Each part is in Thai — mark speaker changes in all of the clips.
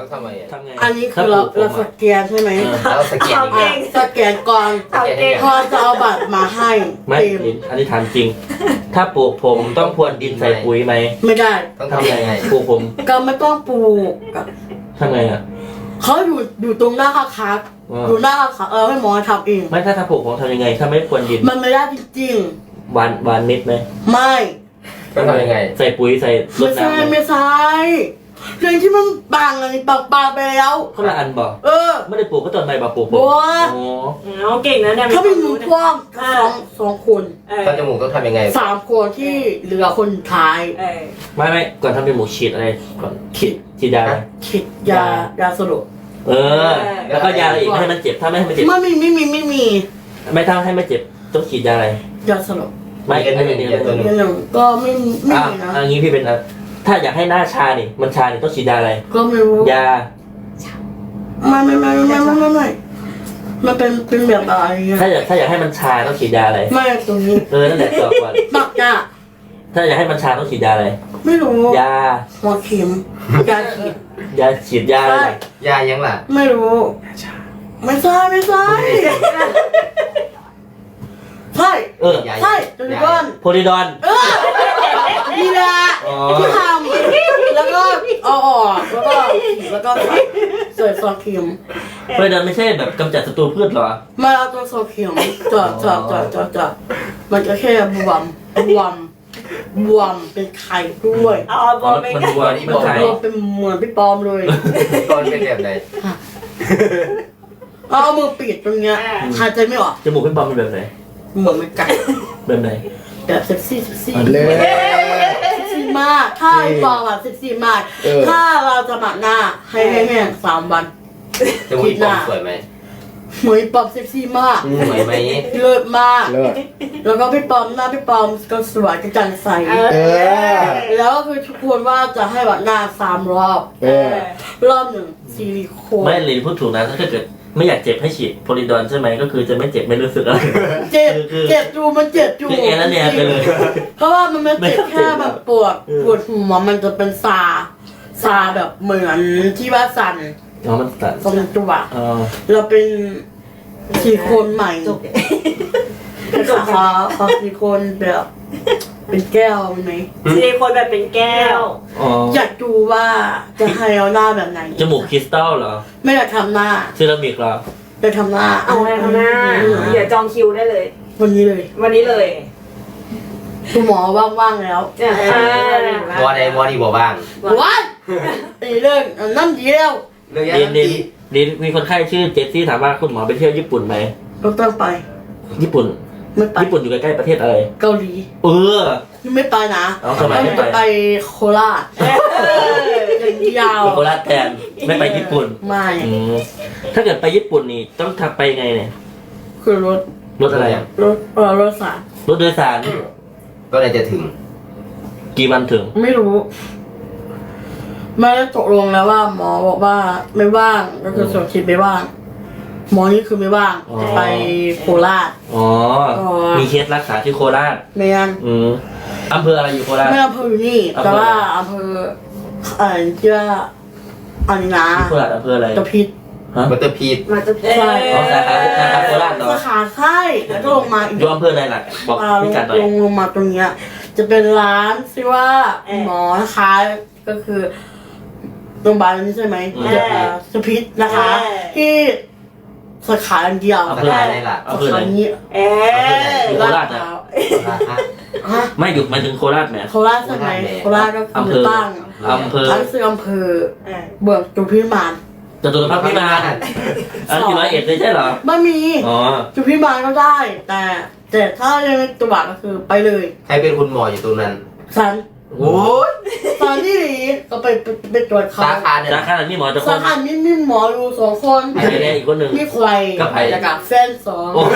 Speaker 1: ทำไมอ่ะ
Speaker 2: ทำไง
Speaker 3: อันนี้คือเราสแกนใช่ไหม
Speaker 1: แล้วสแกนยังไง
Speaker 3: สแกนก่อน
Speaker 1: สแกนยังไง
Speaker 3: พอจะเอาบัตรมาให้
Speaker 2: ไม่
Speaker 3: เต็ม
Speaker 2: อันนี้ถามจริง ถ้าปลูกผมต้องพรวนดินใส่ปุ๋ยไหม
Speaker 3: ไม่ได้
Speaker 1: ต้องทำยังไง
Speaker 2: ปลูกผม
Speaker 3: ก็ไม่ต้องปลูก
Speaker 2: ทำไงอ่ะ
Speaker 3: เขาอยู่ตรงหน้าค้าคับ
Speaker 2: อ่า
Speaker 3: อยู่หน้าค้าให้หมอทำเอง
Speaker 2: ไม่ถ้าปลูกผมทำยังไง ถ้าไม่พรวนดิน
Speaker 3: มันไม่ได้จริง
Speaker 2: หวานเม็ดไหม
Speaker 3: ๆไม่
Speaker 1: ต้องทำยังไง
Speaker 2: ใส่ปุ๋ยใส่ร
Speaker 3: ไม่
Speaker 2: ด
Speaker 3: ใช่
Speaker 2: น้ำไหม
Speaker 3: ไม่ใช่เรื่องที่มันบางอะไรบางไปแล้ว
Speaker 2: คนละอันบอก ไม่ได้ปลูกก็ต้นใหม่บอกปลูกผม
Speaker 3: บัว
Speaker 2: อ๋อ
Speaker 4: อ๋อเก่งนะเนี่ย
Speaker 3: เขาเป็นหมูกว้างสองคน
Speaker 1: ถ้าจมูกต้องทำยังไง
Speaker 3: 3 คนที่เหลือคนสุดท้าย
Speaker 2: ไม่ก่อนทำเป็นหมูฉีดอะไรก่อนฉีดยาอะไร
Speaker 3: คิดยาสลบ
Speaker 2: เออ แล้วก็ยาอะไรอีกไม่ให้มันเจ็บ ถ้าไม่ให้มันเจ็บ
Speaker 3: ไม่มี
Speaker 2: ไม่ถ้าให้ไม่เจ็บต้องฉีดยาอะไร
Speaker 3: ยาสลบ
Speaker 2: ไม่
Speaker 1: อีกอันหนึ่ง
Speaker 2: เดียว
Speaker 1: อีกอันหนึ่ง
Speaker 3: อย่างก็ไม่
Speaker 2: อ่ะ
Speaker 3: มีนะ
Speaker 2: อันนี้พี่เป็นอะไรถ้าอยากให้หน้าชานี่มันชานี่ต้องฉีดยาอะไร
Speaker 3: ก็ไม่รู้
Speaker 2: ยา
Speaker 3: ไม่มันเป็นแบบอะไรอะ
Speaker 2: ถ้าอยากให้มันชาต้องฉีดยาอะไร
Speaker 3: ไม่ตรงนี้
Speaker 2: นั่นแหละตอบก่อน
Speaker 3: ปักยา
Speaker 2: ถ้าอยากให้มันชาต้องฉีดยาอะไร
Speaker 3: ไม่รู้
Speaker 2: ยา
Speaker 3: หัวเข็มยาฉีด
Speaker 2: ยาฉีดยาอะไร
Speaker 3: ใช่
Speaker 1: ยายังล่ะ
Speaker 3: ไม่รู้ไม่ใช่ใช่
Speaker 2: เออ
Speaker 3: ใช่ตัวนี้ก่อน
Speaker 2: โพลิดอน
Speaker 3: นี่แหละ
Speaker 2: อ๋อ
Speaker 3: ที่ทำแล้วก็เอาออกแล้วก็ใส่ซอสเค็ม
Speaker 2: โพลิดอนไม่ใช่แบบกำจัดศัตรูพืชเหรอ
Speaker 3: มาเอาตัวซอสเค็มจอดมันจะแค่บวมเป็นไข่ด้วย
Speaker 4: เอาบอลไป
Speaker 2: มัน
Speaker 4: กัน
Speaker 2: บวมมันไข่
Speaker 3: บวมเป็นเหมือนพี่ปอมเลย
Speaker 1: ตอนเป็นแบบไหน
Speaker 3: เอามือปิดตรงเนี้ยหายใจไม่ออก
Speaker 2: จมูกพี่บอมเป็นแบบไหน
Speaker 3: เหมือนมันไก่
Speaker 2: แบบไหน
Speaker 3: แบบเซ็กซี่
Speaker 5: เลย
Speaker 3: เซ็กซี่มากถ้าพี่ปอมอะเซ็กซี่มาก ถ้าเราจะหมักหน้าให้แห้งๆ3 วัน
Speaker 1: จมูกปอมสวยไหม
Speaker 3: เหมือนพี่ปอมเซ็กซี่มาก
Speaker 1: สวยไหม
Speaker 3: เลิศมาก
Speaker 5: เลิศ
Speaker 3: แล้วก็พี่ปอมหน้าพี่ปอมก็สวยกระจ่างใส
Speaker 5: เออ
Speaker 3: แล้วก็คือทุกคนว่าจะให้หมักหน้า3 รอบ
Speaker 5: เออ
Speaker 3: รอบหนึ่งซิลิโคน
Speaker 2: ไม่เลยพูดถูกนะถ้าเกิดไม่อยากเจ็บให้ฉีดโพลิดอนใช่ไหมก็คือจะไม่เจ็บไม่รู้สึกอะไร
Speaker 3: เจ็บจูมันเจ็บจู
Speaker 2: คือเอแล้วเนี่ยไปเลย
Speaker 3: เพราะว่ามันไม่เจ็บแค่แบบปวดหัวมันจะเป็นซาแบบเหมือนที่ว่าสั่น
Speaker 2: อ๋อมันตัด
Speaker 3: ตรงตัว
Speaker 2: อ๋อ
Speaker 3: เราเป็นซิลิโคนใหม่ขอซิลิโคนแบบเป็นแก้วมีไหม
Speaker 4: ซิลิโคนแบบเป็นแก้ว
Speaker 2: อ๋อ
Speaker 3: อยากดูว่าจะให้เอาหน้าแบบไหน
Speaker 2: จมูกคริสตัลเหรอ
Speaker 3: ไม่อยากทำหน้า
Speaker 2: เซรามิกเหรอ
Speaker 3: จะทำหน้า
Speaker 4: เอาไว้ข้างหน้า เดี๋ยวจองคิวได้เลย
Speaker 3: วันนี้เลย
Speaker 4: วันนี้เลย
Speaker 3: คุณหมอว่างๆแล้ว
Speaker 1: มอใดมอดีบ่บ้าง
Speaker 3: ว้ายอีเรื่องน้ำดีแล้ว
Speaker 1: เรื่อง
Speaker 2: ดิ
Speaker 1: ยั
Speaker 2: น
Speaker 1: ง
Speaker 2: ดิน
Speaker 1: ดี
Speaker 2: ดินมีคนไข้ชื่อเจสซี่ถามว่าคุณหมอไปเที่ยวญี่ปุ่นไหม
Speaker 3: ต้องไป
Speaker 2: ญี่ปุ่น
Speaker 3: ไม่ไป
Speaker 2: ญี่ปุ่นอยู่ใกล้ๆประเทศอะไร
Speaker 3: เกาหลี
Speaker 2: เออ
Speaker 3: ไม่ไปนะ
Speaker 2: เอาทำไมไม่ไป
Speaker 3: จะไปโคราชอย่างยาว
Speaker 2: ไปโคราชแทนไม่ไปญี่ปุ่น
Speaker 3: ไม่
Speaker 2: อืมถ้าเกิดไปญี่ปุ่นนี่ต้องทำไปไงเนี่ย
Speaker 3: คือรถ
Speaker 2: รถอะไรอ่ะ
Speaker 3: รถสาร
Speaker 2: รถโดยสาร
Speaker 1: ก็เลยจะถึง
Speaker 2: กี่วันถึง
Speaker 3: ไม่รู้ไม่ได้ตกลงแล้วว่า หมอบอกว่าไม่ว่างก็คือส่วนคิดไม่ว่าง หมอนี่คือไม่ว่าง
Speaker 2: อ๋อ
Speaker 3: จะไปโคราช
Speaker 2: อ๋อ
Speaker 3: อ๋อ
Speaker 2: มีเคสรักษาที่โคราช
Speaker 3: ไม่ยัง
Speaker 2: อืมอำเภออะไรอยู่โคราช
Speaker 3: ไม่อำเภออยู่นี่
Speaker 2: อำเภอ
Speaker 3: แต่ว่าอำเภอที่ว่าอันนี้นะ
Speaker 2: ที่โคราชอำเภออะไร
Speaker 3: ตะพิษ
Speaker 2: ฮะ
Speaker 1: บัตเตอร์พีท
Speaker 4: มาจะ
Speaker 3: ใช่
Speaker 2: อ๋อสาขาโคราชเหรอ
Speaker 3: สาขาใช่แล้วก็ลงมาอีก
Speaker 2: อยู่อำเภออะไรล่ะบอกพิกัดหน่อย
Speaker 3: ลงมาตรงเนี้ย จะเป็นร้านที่ว่าหมอนะคะก็คือโรงพยาบาลนี้ใช่ไหมสพิษนะคะ ที่สาขาอันเดียว
Speaker 1: อำเภออะไรล่ะ
Speaker 2: อำเภอไหน
Speaker 3: นี้
Speaker 2: อยู่โคราชนะ
Speaker 3: ฮะ
Speaker 2: ไม่อยู่หมายถึงโคราชแหม
Speaker 3: โคราชใช่ไหมโคราชก็คือ
Speaker 2: อำเภอ
Speaker 3: ตั้ง
Speaker 2: อำเภอ
Speaker 3: ตั้งชื่ออำเภอเบิกจุพิมาน
Speaker 2: จตุรพักษ์พิมานอันอยู่ร้อยเอ็ดเลยใช่เหรอ
Speaker 3: ไม่มี
Speaker 2: อ๋อ
Speaker 3: จุพิมานก็ได้ แต่ถ้ายังไม่ตัวก็คือไปเลย
Speaker 1: ใครเป็นคุณหมออยู่ตรงนั้น
Speaker 3: สัน
Speaker 1: โอ้ย
Speaker 3: ตอนที่หลีก็ไปตรวจเขา
Speaker 1: สาขาเนี่ย
Speaker 2: สาขาไหนมีหมอจะค
Speaker 3: สาน ขามีหมออยู่2 คน
Speaker 2: ไอ้เนี่ยอีกคนหนึ่ง
Speaker 3: มีใคร
Speaker 2: กับใคร
Speaker 3: แล้วกับแฟน2
Speaker 2: โอ้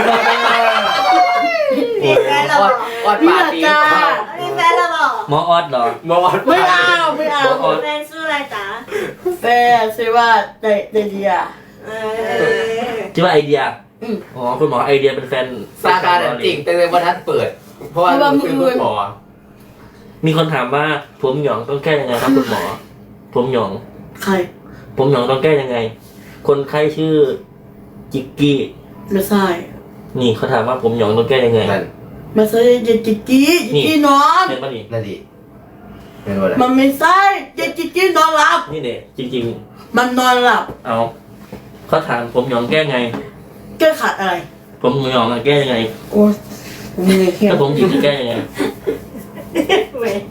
Speaker 4: มีแฟนแล้ว
Speaker 1: ออด
Speaker 3: มี
Speaker 1: ปา
Speaker 3: อา
Speaker 1: ร์ตี้
Speaker 3: จารย์
Speaker 4: มีแฟนแล้วบอก
Speaker 2: หมอออดเหรอ
Speaker 1: หมอออด
Speaker 3: ไม่เอา
Speaker 4: แฟนชื่ออะไรจ๊ะ
Speaker 3: แฟนชื่อว่าเดเดีย
Speaker 2: ชื่อว่าไอเดีย
Speaker 3: อืม
Speaker 2: อ๋อคุณหมอไอเดียเป็นแฟน
Speaker 1: สาขาเนี่ยจริงแต่เลยวันทัดเปิด เพราะว่าหนูคือคุณหมอ
Speaker 2: มีคนถามว่าผมหยองต้องแก้ยังไงครับคุณหมอ ผมหยอง
Speaker 3: ใคร
Speaker 2: ผผมหยองต้องแก้ยังไง คนไข้ชื่อจิกกี้
Speaker 3: ไม่ใช่
Speaker 2: นี่เขาถามว่าผมหยองต้องแก้ยังไง
Speaker 1: นั่น
Speaker 3: ไม่ใช่จิกกี้นอน
Speaker 2: เห็นปะนี่
Speaker 1: นั่นดิเป็นว่าอะไร
Speaker 3: มันไม่ใช่จิกกี้นอนหลับ
Speaker 2: นี่เนี่ยจริง
Speaker 3: มันนอนหลับ
Speaker 2: ๆ เอาเขาถามผมหยองแก้ไง
Speaker 3: แก้ขัดอะไร
Speaker 2: ผมหยองแก้ยังไง
Speaker 3: โอ้ยผมไม่ได้แค่
Speaker 2: ถ้าผมหยิงจะแก้ยังไง
Speaker 4: เว้ย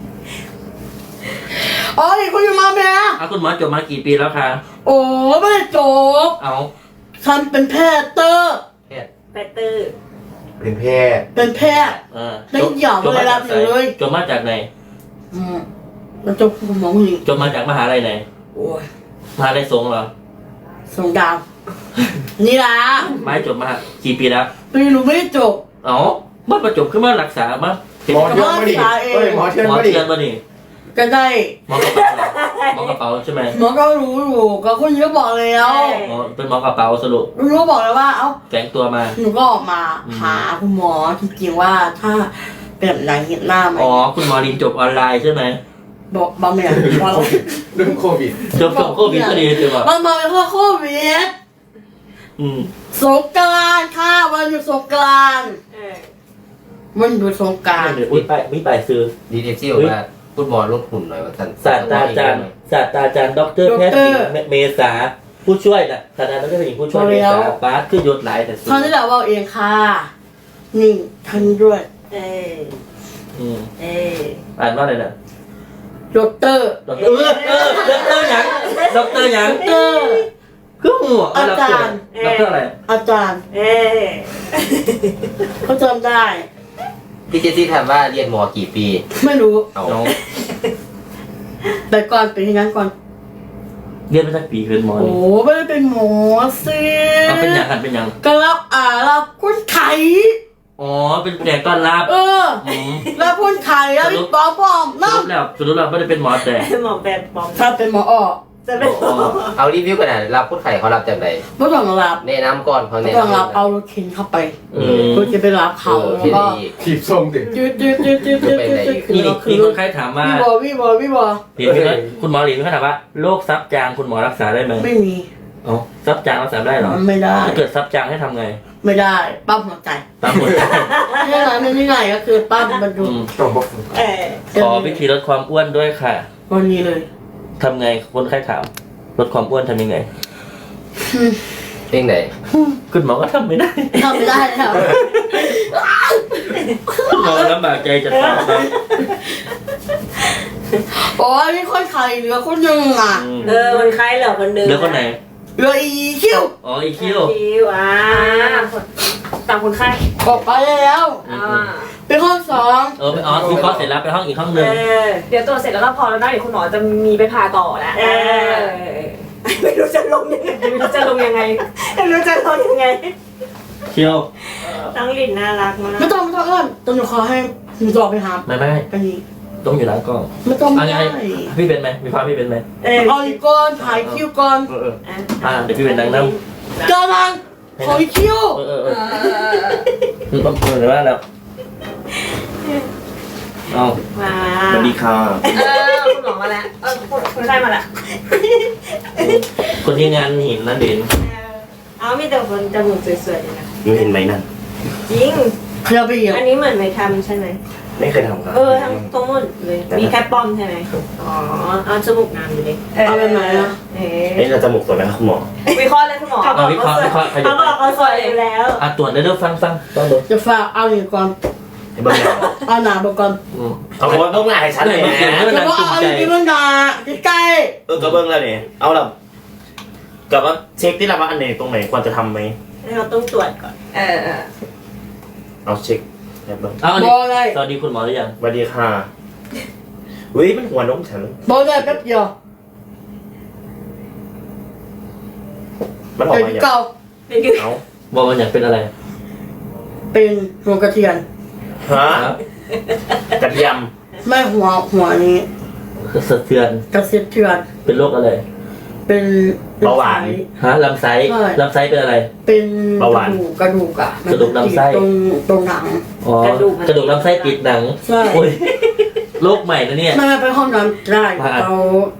Speaker 3: อ๋อนี่คุณอยู่มาไหมนะ
Speaker 2: เอาคุณหมอจบมากี่ปีแล้วคะ
Speaker 3: โอ้ไม่ได้จบ
Speaker 2: เอา
Speaker 3: ฉันเป็นแพทย์เตอร์
Speaker 1: แพทย์
Speaker 4: แปตเตอร์
Speaker 1: เป็นแพทย์
Speaker 3: เป็นแพทย์ ได้หยอกเลยรับอยู่เลย
Speaker 2: จบมาจากไหน
Speaker 3: มันจบคุณหมอนี่
Speaker 2: จบมาจากมหาลัยไหน
Speaker 3: โอ้ย
Speaker 2: มหาลัยสงฆ์เหรอ
Speaker 3: ส่งดาวนี่ล่ะ
Speaker 2: ไม่จบมากี่ปีแล้ว
Speaker 3: ปีหนูไม่ได้จบ
Speaker 2: เอาเมื่อประจบขึ้นมารักษามาเป็น
Speaker 1: หมอเทือนมาดิเฮ้ยหมอเทือน
Speaker 2: หมอ
Speaker 1: มาดิ
Speaker 2: เทียนมานี่
Speaker 3: ก็ได้
Speaker 2: หมอกระเป๋าเหรอหมอกระเป๋าใช่ไหม
Speaker 3: หมอก็รู้อยู่ก็คนเยอะบอกแล้ว
Speaker 2: หมอเป็นหมอกระเป๋าสรุป
Speaker 3: รู้ก็บอกแล้วว่า เอ้า
Speaker 2: แฝงตัวมา
Speaker 3: หนูก็ออกมาหาคุณหมอจริงๆว่าถ้าเป็นแบบไหนเห็นหน้าไหม
Speaker 2: อ๋อคุณหมอลินจบออนไลน์ใช่ไหม
Speaker 3: บอกบางอย่างว่า
Speaker 1: เรื่องโควิด
Speaker 2: จบโควิดพอดีใช่ป่ะ
Speaker 3: มันบอกว่าโควิด
Speaker 2: อืม
Speaker 3: สงกรานต์ค่ะวันหยุดสงกรานต์
Speaker 4: เออ
Speaker 3: วันหยุดสงกรานต์
Speaker 2: เดี๋ยวมีไปซื้อ
Speaker 1: ดีเอฟซีบอกว่าฟุตบอลลดหุ่นหน่อยว่าท่าน
Speaker 2: ศาสตราจารย์ดรแพทย์หญิงเมษาผู้ช่วยน่ะศาสตราจารย์ดรแพทย์หญิงผู้ช่วยเมษาบาสขึ้นยศหลายแต่สู
Speaker 3: ท่านที่เราว่าเองค่ะนี่ท่านด้วย
Speaker 4: เออ
Speaker 2: อืม
Speaker 4: เออ
Speaker 2: อ่านว่าอะไรนะ
Speaker 3: ดอกเตอร์
Speaker 2: ดรดรหยังดรหยัง
Speaker 3: ดอกเตอร์
Speaker 2: คือหัวดรอะไร
Speaker 3: อาจารย์
Speaker 4: เออ
Speaker 3: เขาจำได้
Speaker 1: พี่เจสซี่ถามว่าเรียนหมอกี่ปี
Speaker 3: ไม่รู้
Speaker 1: เอา
Speaker 2: น้อง
Speaker 3: แต่ก่อนเป็นอย่างนั้นก่อน
Speaker 2: เรียนมาจากปีเกินหมอ
Speaker 3: โอ้
Speaker 2: นี่
Speaker 3: ไม่ได้เป็นหมอสิ
Speaker 2: เอาเป็นอย่างกันเป็นอย่าง
Speaker 3: ก็รับคนไข้
Speaker 2: อ๋อเป็นแขกต้อนรับ
Speaker 3: เออ
Speaker 2: อืม
Speaker 3: รับคนไข้แล้วพี่ปอม
Speaker 2: ส
Speaker 3: น้
Speaker 2: รุปแล้วไม่ได้เป็นหมอแต่
Speaker 4: หมอแบบปลอม
Speaker 3: ำถ้าเป็นหมออ้อ
Speaker 4: จะเป็นหมอ
Speaker 1: เอารีวิวกันนะรับคนไข้เขารับจากไหน
Speaker 3: ไม่ต้องรับ
Speaker 1: แนะนำก่อนเขา
Speaker 3: ไม่
Speaker 1: แนะ
Speaker 3: ต้อง
Speaker 1: นำ
Speaker 3: รับเอารถเข็นเข้าไป
Speaker 2: อืม
Speaker 3: ก็จะไปรับเขาแล้ว
Speaker 1: ที่
Speaker 3: ก็
Speaker 1: ดีถีบส่งดิ
Speaker 3: จืดคือ
Speaker 2: นี่
Speaker 3: เราคื
Speaker 2: มี
Speaker 3: อ
Speaker 2: คนไข้ถามว่า
Speaker 3: วิบอ
Speaker 2: หลินคุณหมอหลินเขาถามว่าโรคซับจางคุณหมอรักษาได้ไหม
Speaker 3: ไม่มี
Speaker 2: อ๋อซับจางรักษาได้เหรอ
Speaker 3: มันไม่ได้
Speaker 2: ถ้าเกิดซับจางให้ทำไง
Speaker 3: ไม่ได้ปั๊มหัวใจ
Speaker 2: ตามหัวใจ
Speaker 3: แค่นั้นไม่ง่ายก็คือปั๊มมันดู
Speaker 2: อืม
Speaker 1: ต้องบอก
Speaker 4: เออ
Speaker 2: ขอวิธีลดความอ้วนด้วยค่ะ
Speaker 3: วันนี้เลย
Speaker 2: ทำไงคนไข้ถามลดความอ้วนทำยังไง
Speaker 1: เพลงไหน
Speaker 2: คุณหมอก็ทำไม่ได้
Speaker 3: ทำไม่ได้ครับ
Speaker 2: คุณหมอลำบากใจจะตอบนะ
Speaker 3: โอ้ยนี่คนไข้เหลือคนหนึ่งอ่ะ
Speaker 2: อืม
Speaker 4: เออมันคล้ายเหลือคนหนึง
Speaker 2: แล้วคนไหน
Speaker 3: เหลืออีคิว
Speaker 2: อ๋ออีคิว
Speaker 4: คิวตามคนไข้
Speaker 3: ออกไปแล้ว
Speaker 2: อื
Speaker 4: อ่าม
Speaker 3: เป็นห้องสอง
Speaker 2: เออไปอ๋อวิเคราะห์เสร็จแล้วไปห้องอีกห้องห
Speaker 4: เอ
Speaker 2: นึ่ง
Speaker 4: อ
Speaker 5: เดี๋ยวตรวจเสร็จแล้วก็พอแล้วนะเดี๋ยวคุณหมอจะมีไปผ่าต่อแล้ว
Speaker 4: เออไม่รู้จะลงยังไง
Speaker 5: ไม่รู้จะลงยังไง
Speaker 4: ไม่รู้จะลงยังไง
Speaker 2: คิว
Speaker 4: น้องลินน่ารักมาก
Speaker 3: ไม่ต้องเอื้อนต้องหนูขอให้หนูต่อไปหา
Speaker 2: ไม่
Speaker 3: อันนี้
Speaker 2: ต้องอยู่หลังกล้อง
Speaker 3: ไม่ต้อง
Speaker 2: อัน
Speaker 3: ได้
Speaker 2: นี้พี่เป็นไหมมีความพี่เป็นไหม
Speaker 4: เออ
Speaker 3: เอาอีกก่อนถ่ายคิวก่อน
Speaker 2: เออเดี๋ยวพี่เป็นนางน้ำ
Speaker 3: กำลังขออีกคิว
Speaker 2: เออเดี๋ยวว่าแล้วเอา
Speaker 4: มา
Speaker 2: สวัสดีค่ะ
Speaker 5: คุณหมอมาแล้วคนไข้มาแล้ว
Speaker 2: คนที่งานหินนั่นเด่น
Speaker 4: เอามีแต่คนจมูกสวยๆเลยนะ
Speaker 2: ยูเห็นไหมนั่น
Speaker 4: จริง
Speaker 3: เคลียร์ไปอีก
Speaker 4: อันนี้เหมือนไม่ทำใช่ไหม
Speaker 2: ไม่เคยทำครับ
Speaker 4: เออทั้งหมดเลย มีแค่ป้อมใช่ไหมอ๋อ เอาจมูกงามอยู่เลย
Speaker 3: เอาไปไหนอ่ะ
Speaker 4: เอ๊
Speaker 2: เอ๊ะเราจมูกสวยไหมครับคุณหมอ
Speaker 5: วิเคราะห์เลยคุณหมอ
Speaker 4: เขาบอกเขาสวยอยู่แล้ว
Speaker 2: อ่ะตรวจได้ด้วยฟังต้องดู
Speaker 3: จะฝากเอาอีกก่อน
Speaker 2: ให้เบิ้งหน้า
Speaker 3: เอาหนาไปก่อน
Speaker 6: เอาเบิ้งหน้าให้ชัดเลย
Speaker 2: เมื่อกี้
Speaker 6: นะ
Speaker 2: เมื่อ
Speaker 3: จะ
Speaker 2: นั้น
Speaker 3: ว่า
Speaker 2: จุ่ม
Speaker 3: เอา
Speaker 2: ใจ
Speaker 3: อีกเมื่อหนาใกล้
Speaker 6: ก็เบิ้งแล้วนี่เอาละกับว่าเช็คที่ละว่าอันไหนตรงไหนควรจะทำไหม
Speaker 4: เราต้องตรวจก่อน
Speaker 6: เอาเช็คแบบเบิ้ง
Speaker 2: เอา
Speaker 3: ๆ
Speaker 2: ดิ
Speaker 3: บอกเลย
Speaker 2: สวัสดีคุณหมอหรือยัง
Speaker 6: สวัสดีค่ะวิมันหัวนมฉัน
Speaker 3: บอกเลยแป๊บเดียว
Speaker 6: มันออก
Speaker 3: เดี๋ยว
Speaker 6: มาอย่าง
Speaker 3: เก่า
Speaker 6: เอา
Speaker 2: บอกว่าอยากเป็นอะไร
Speaker 3: เป็นหัวกระเทียม
Speaker 6: ฮะกระเทียม
Speaker 3: ไม่หัวนี้
Speaker 2: สะเทือน
Speaker 3: กระเทียม
Speaker 2: เป็นโรคอะไร
Speaker 3: เป็น
Speaker 6: เบาหวาน
Speaker 2: ฮะลำไส้ลำไส้เป็นอะไร
Speaker 3: เป็น
Speaker 6: เบาหวาน
Speaker 3: กระดูกอะ
Speaker 2: กระดูกลำไส้
Speaker 3: ตรงหนัง
Speaker 2: อ๋อกระดูกลำไส้ติดหนัง
Speaker 3: ใช่
Speaker 2: โอ้ยโรคใหม่นะเนี่ย
Speaker 3: ไม่ไปห้องน้ำได้
Speaker 2: มา
Speaker 3: เขา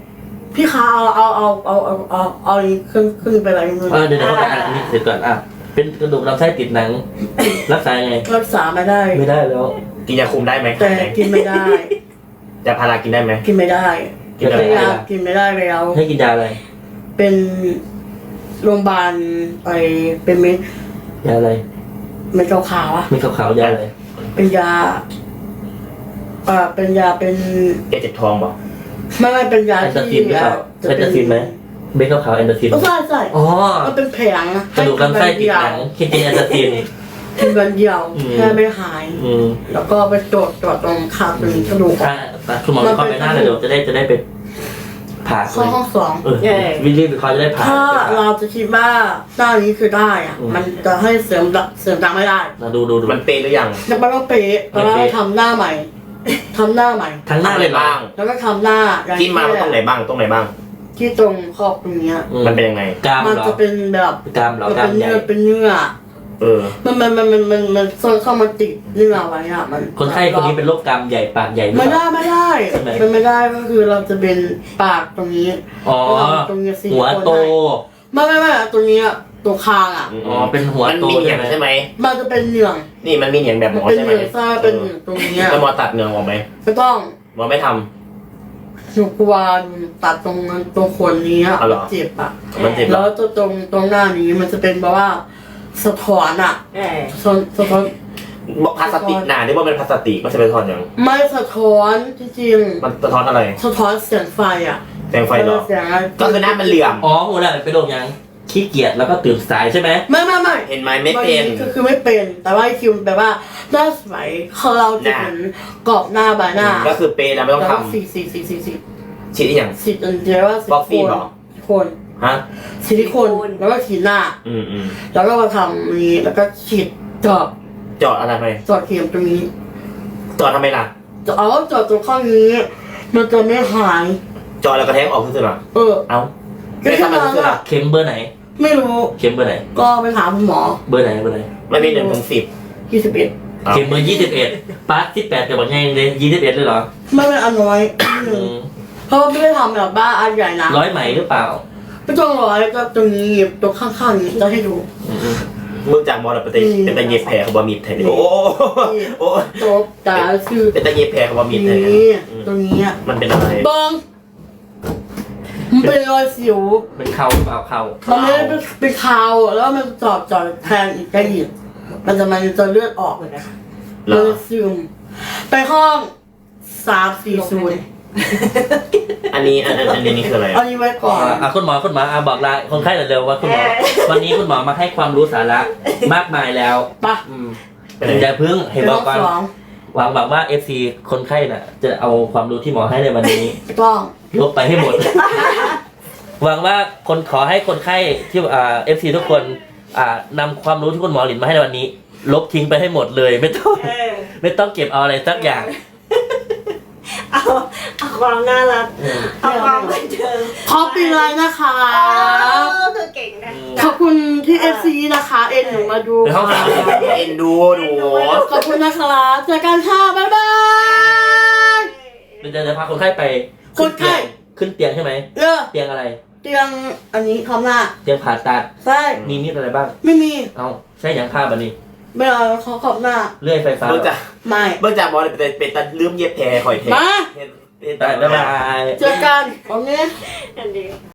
Speaker 3: พี่คะเอาอีกครึ่งไปอะไรเงิน
Speaker 2: เดี๋ยวเขาไปอ่านอันนี้เสร็จก่อนเป็นกระดูกลำไส้ติดหนัง รักษาไง
Speaker 3: รักษาไม่ได้
Speaker 2: ไม่ได้แล้ว
Speaker 6: กินยาคุมได้ไหม
Speaker 3: แต่กินไม่ได้
Speaker 6: ยาพารากินได้ไหม
Speaker 3: กินไม่ได้
Speaker 6: กินอะไร
Speaker 3: ยากินไม่ได้แล้ว
Speaker 2: ให้กินยาอะไร
Speaker 3: เป็นโรงพยาบาลไปเป็นเม็ด
Speaker 2: ยาอะไร
Speaker 3: เม็ดขาวๆอ่ะ
Speaker 2: ไม่ขาวๆยาอะไร
Speaker 3: เป็นยาเป็นยาเป็น
Speaker 6: แกเจ็บท้องเปล่า
Speaker 3: ไม่เป็นยา
Speaker 2: แอนตาซิ
Speaker 3: ที่
Speaker 2: นหรือเปล่าใช่แอนตาซินไหมเบคขาวๆแอนตาซิน
Speaker 3: ใช่
Speaker 2: อ๋อ
Speaker 3: มันเป็นแผงนะ
Speaker 2: กระดูกลำไส้ติดหนังกินแอนตาซิน
Speaker 3: กินวันเดียว
Speaker 2: อืม
Speaker 3: แค่ไม่หาย แล้วก็ไปตรวจตรงขาตรงกระดูก
Speaker 2: คุณหมอเข้าไปหน้าเลยเดี๋ยวจะได้ไปผ่า
Speaker 3: เข้าห้องสอง
Speaker 2: วิลลี่เขาจะได้ผ่า
Speaker 3: ถ้าเราจะคิดว่าด้านนี้คือได้อ่ะ มันจะให้เสริมดังไม่ได้
Speaker 2: ดู
Speaker 6: มันเปย์หรือยัง
Speaker 3: จะไม่ต้องเป๊ะแต่ว่าทำหน้าใหม่ทำหน้าใหม่
Speaker 2: ทั้งหน้าเลย
Speaker 6: บ้าง
Speaker 3: แล้วก็ทำหน้าอย่าง
Speaker 6: กินมาตรงไหนบ้างตรงไหนบ้าง
Speaker 3: ที่ตรงขอบตรงเนี้ย
Speaker 6: มันเป็นยังไง
Speaker 2: กราม
Speaker 3: มัน
Speaker 2: เหรอ
Speaker 3: จะเป็นแบบ
Speaker 2: กรามเหรอ
Speaker 3: มัน
Speaker 2: กรา
Speaker 3: เป็
Speaker 2: ม
Speaker 3: น
Speaker 2: ใหญ่
Speaker 3: เนื้อเป็นเนื้อ
Speaker 6: เออ
Speaker 3: มันซ่อนเข้ามาติดเนื้อไว้อ่ะมัน
Speaker 2: คนไข้คนนี้เป็นโรคกรามใหญ่ปากใหญ่หรือ
Speaker 3: ไม่
Speaker 2: เปล่า
Speaker 3: ได้
Speaker 2: ใช่ไหม
Speaker 3: เป็นไม่ได้ก็คือเราจะเป็นปากตรงนี้
Speaker 2: อ๋อ
Speaker 3: ตรงนี้สิ
Speaker 2: หัวโต
Speaker 3: ไม่ตรงนี้ตรงคางอ่ะ
Speaker 2: อ๋อเป็นหัว
Speaker 6: มัน
Speaker 2: โต
Speaker 6: มีเหนี
Speaker 2: ใช่
Speaker 6: ยง
Speaker 2: ไหม
Speaker 6: ใช่ไหม
Speaker 3: มันจะเป็นเหนือง
Speaker 6: นี่มันมีเหนียงแบบหมอ
Speaker 3: เป็น
Speaker 6: ใช่
Speaker 3: เห
Speaker 6: ไหม
Speaker 3: นืองซ่าเป็นเหนืองตรงนี้
Speaker 6: แล้วหมอตัดเหนียงออกไหม
Speaker 3: ไม่ต้อง
Speaker 6: หมอไม่ท
Speaker 3: หนูกลัวตัดตรงนั้นตรงขนนี้อ่ะ
Speaker 6: อ๋อเหรอ
Speaker 3: เจ็บอ่ะ
Speaker 6: ำมันเจ็บเหร
Speaker 3: แล้
Speaker 6: อ
Speaker 3: วตรงหน้านี้มันจะเป็นแบบว่าสะท้อนอ่ะสะท้อน
Speaker 6: บอกพลาสติกหนาที่ว่าเป็นพลาสติกมันจะเป็นทอนอย่าง
Speaker 3: ไม่สะท้อนจริง
Speaker 6: มันสะท้อนอะไร
Speaker 3: ๆสะท้อนเสียงไฟอ่ะ
Speaker 6: แสงไฟเหรอ
Speaker 3: เสียงอะไร
Speaker 6: ก็คือหน้ามันเหลื่อม
Speaker 2: อ๋อหัวหน้าเป็นโรคยังขี้เกียจแล้วก็ตื่นสายใช่ไหม
Speaker 3: ไม่
Speaker 6: เห็นไหมไม่เป็น
Speaker 3: คือไม่เป็น แต่ว่าคิวแบบว่าหน้าสวยเขาเราจะเห็นกรอบหน้าใบหน้า
Speaker 6: ก็คือเปย์แล้วไม่ต้อง
Speaker 3: แล้ว
Speaker 6: ท
Speaker 3: ก็สี่
Speaker 6: ำฉีดอีกอย่าง
Speaker 3: สิอันเดียวว่าซิ
Speaker 6: ฟอกซี่เหรอ
Speaker 3: ลิโคน
Speaker 6: ฮะ
Speaker 3: ซิลิโคนแล้วก็ฉีดหน้า
Speaker 6: อืม
Speaker 3: แล้วก็มาทำนี้แล้วก็ฉีดเจาะ
Speaker 6: เจาะอะไรไป
Speaker 3: เจาะเข็มตรงนี้
Speaker 6: เจาะทำไมล่ะ
Speaker 3: เจาะเจาะตรงข้างนี้ มันจะไม่หาย
Speaker 6: เจาะแล้วกระแทกออกคือๆหรอ
Speaker 3: เออ
Speaker 6: เอ้า
Speaker 3: ก็
Speaker 6: ไม่
Speaker 3: แค่
Speaker 6: ทำมัน
Speaker 3: นั้น
Speaker 6: คือๆหรอ
Speaker 3: อะ
Speaker 2: เข็มเบอร์ไหน
Speaker 3: ไม่รู้
Speaker 2: เข็มเบอร์ไหน
Speaker 3: ก็ไปถามคุณหมอ
Speaker 2: เบอร์ไหน
Speaker 6: ไม่มี1 ถึง 10
Speaker 3: 21
Speaker 2: เข็มเบอร์21ปาร์ต18กับบอกไงเลย21เลยเหรอ
Speaker 3: ไม่เป็นอันน้อยเพราะว่าไม่ได้ทำแบบบ้าอันใหญ่นะ
Speaker 2: 100ไหมหรือเปล่า
Speaker 3: ไม่ต้องร้อยก็ตรงนี้ตรงข้างๆนี้จะให้ดู
Speaker 6: มึงจากมอลเป็นตะเย็บแผลเขาบะมีดแทนโอ้โอ้
Speaker 3: โต๊ะตาคือ
Speaker 6: เป็นตะเย็บแผลเขาบะมีดแทน
Speaker 3: นี่ตรงนี้
Speaker 6: มันเป็นอะไร
Speaker 3: เบิ้งมันเป็นรอยสิว
Speaker 2: เป็นเข่าหรือเปล่าเข่า
Speaker 3: มันไม่ได้เป็นคาวแล้วมันจอดแทงอีกได้อีกมันจะเลือดออกเลยนะ
Speaker 6: เหร
Speaker 3: มัน
Speaker 6: อ
Speaker 3: จะซึมไปห้อง340
Speaker 6: อันนี้นี่คืออะไร
Speaker 3: เอานี้ไว้ก่อน
Speaker 2: คุณหมอบอกลาคนไข้เร็วๆว่าคุณหมอวันนี้คุณหมอมาให้ความรู้สาระมากมายแล้ว
Speaker 3: ปะ
Speaker 2: อย่าเพิ่งเห็น
Speaker 3: ไป
Speaker 2: บ
Speaker 3: ห้
Speaker 2: อ
Speaker 3: อก ง
Speaker 2: ก่อน
Speaker 3: สอง
Speaker 2: หวังว่า FC คนไข้น่ะ จะเอาความรู้ที่หมอให้ในวันนี้
Speaker 3: กล้อง
Speaker 2: ลบไปให้หมด หวังว่าขอให้คนไข้ที่FC ทุกคนนำความรู้ที่คุณหมอหลินมาให้ในวันนี้ ลบทิ้งไปให้หมดเลย ไม่ต้องเก็บเอาอะไรสักอย่าง
Speaker 4: เอาความน่ารักเอาความบันเทิง
Speaker 3: ขอปีเลยนะคะ
Speaker 4: เธอเก่งนะ
Speaker 3: ขอบคุณที่ FC นะคะเอ็นหนูมาดู
Speaker 2: เดี๋ยวห้องสาม
Speaker 6: เอ็นดูหนู
Speaker 3: ขอบคุณนะคะเจอกันค่ะบ๊ายบาย
Speaker 2: เราจะพาคนไข้ไป
Speaker 3: คนไข้
Speaker 2: ขึ้นเตียงใช่ไหม เตียงอะไร
Speaker 3: เตียงอันนี้ทำหน้า
Speaker 2: เตียงผ่าตัด
Speaker 3: ใช่
Speaker 2: มีมีดอะไรบ้าง
Speaker 3: ไม่มี
Speaker 2: เอาใช่อย่างผ้าบันนี้
Speaker 3: ไม่เอาเขาขอบหน้า
Speaker 2: เลื่อยไฟฟ้า
Speaker 6: เบิ่งจาก
Speaker 3: ไม่
Speaker 6: มอลเป็นตะลืมเย็บแผลคอยแทน
Speaker 3: มา
Speaker 6: เป็น
Speaker 2: บ๊ายบาย
Speaker 3: เจอกันโอเค
Speaker 4: อันนี้